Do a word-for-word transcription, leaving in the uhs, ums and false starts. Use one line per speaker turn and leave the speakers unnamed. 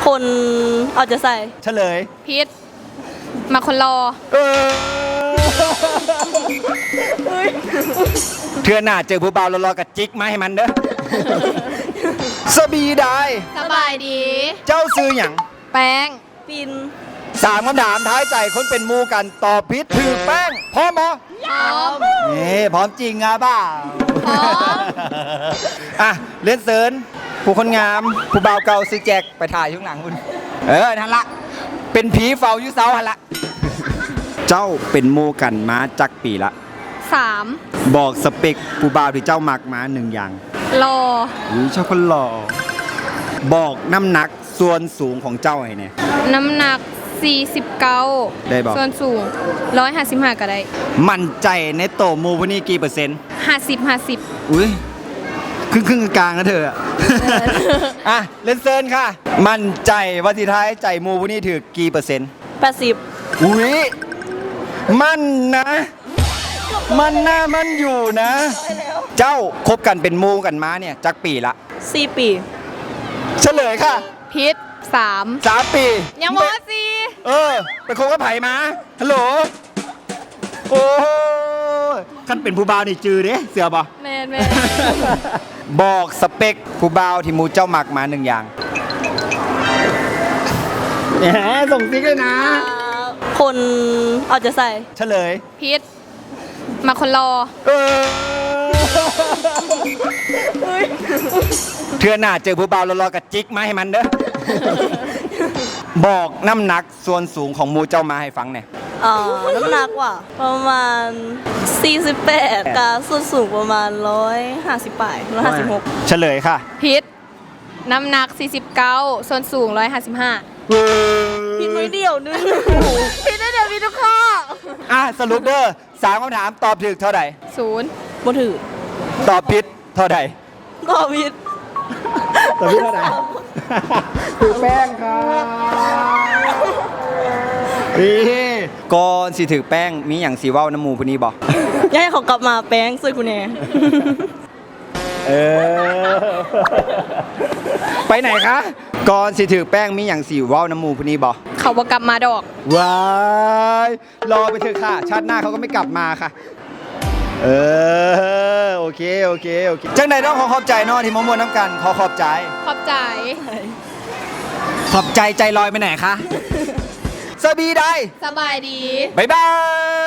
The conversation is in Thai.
คนเอาจะใส่
เฉลย
พิษมาคนรอ
เออเทื่อหน้าเจอผู้บ่าวรอๆกับจิกมาให้มันเด้อสบีได้
สบายดี
เจ้าซื้อหยัง
แป้ง
ปิน
สามคำถามท้ายใจคนเป็นหมูกันตอบผิดถือแป้งพร้อมบ่
พร้อม
นี่พร้อมจริงอ่ะบ้า
พร้อม
อ่ะเล่นเซิร์นผู้คนงามผู้บ่าวเก่าซื้อแจกไปถ่ายช่วงหลังคุณเออนั่นละเป็นผีเฝ้าอยู่เสาหันละเจ้าเป็นหมูกันมาจักปีละ
สาม
บอกสเปคผู้บ่าวที่เจ้ามักมาหนึ่งอย่าง
รอ
อุ้ยชอบคนหล่อบอกน้ำหนักส่วนสูงของเจ้าไอ้เนี่ย
น้ำหนักสี่สิบเก้า
ได้บอก
ส่วนสูงร้อยห้าสิบห้าก็ได้
มั่นใจในโตหมูพวกนี้กี่เปอร์เซ็นต์
ห้าสิบห้าสิบ
อุ้ยครึ่งครึ่งกลางๆนะเธออะ อ่ะเล่นเซิร์นค่ะ มั่นใจว่าที่ท้ายใจหมูพวกนี้ถือกี่เปอร์เซ็นต์
แปดสิบ
อุ้ยมั่นนะ มันหน้ามันอยู่นะ เจ้าคบกันเป็นหมูกันมาเนี่ยจักปีละ
สี่ปี
เฉลยค่ะ
พิษสาม
สามปี
ยังมอสี่
เออไปคบกับไผ่มาฮัลโหลโอ้ยท่านเป็นผู้บ่าวนี่จือเด้เสือบ่
แมนแมน
บอกสเปคผู้บ่าวที่หมูเจ้ามักมาหนึ่งอย่างแหมส่งติ๊กเลยนะ
คนเอาจะใส่
เฉลย
พิษมาคนรอ
เออเทื่อหน้าเจอผู้บ่าวรอๆกับจิกมาให้มันเด้อบอกน้ำหนักส่วนสูงของหมูเจ้ามาให้ฟังหน่อย
อ่าน้ำหนักว่าประมาณสี่สิบแปดกับส่วนสูงประมาณหนึ่งร้อยห้าสิบปลายหนึ่งร้อยห้าสิบหก
เฉลยค่ะ
พิษน้ำหนักสี่สิบเก้าส่วนสูงร้อยห้าสิบห้า
พินน้อยเดียวนึง
พิษได้เดี๋ยวมีทุกข้อ
อ่ะสรุปเด้อสามคำถามตอบถูกเท่าไหร่
ศูนย์
บ่ถือ
ตอบผิดเท่าไหร่
ตอบผิด
ตอบผิดเท่าไหร่ถือแป้งค่ะนี่ก่อนสิถือแป้งมีอย่างสีว่าวน้ำมูพวกนี้บอก
อยากให้เขากลับมาแป้งซื้อคุณแน่
เออไปไหนคะก่อนสิถือแป้งมีอย่างสีว่าวน้ำมูพวกนี้บอก
เขาบอกกลับมาดอก
ว้ายรอไปเถอะค่ะชาติหน้าเขาก็ไม่กลับมาค่ะเออโอเคโอเคโอเคจังใดต้องขอขอบใจเนอะที่มามวนน้ำกันขอขอบใจ
ขอบใจ
ขอบใจใจลอยไปไหนคะสบีได้
สบายดี
บ๊ายบาย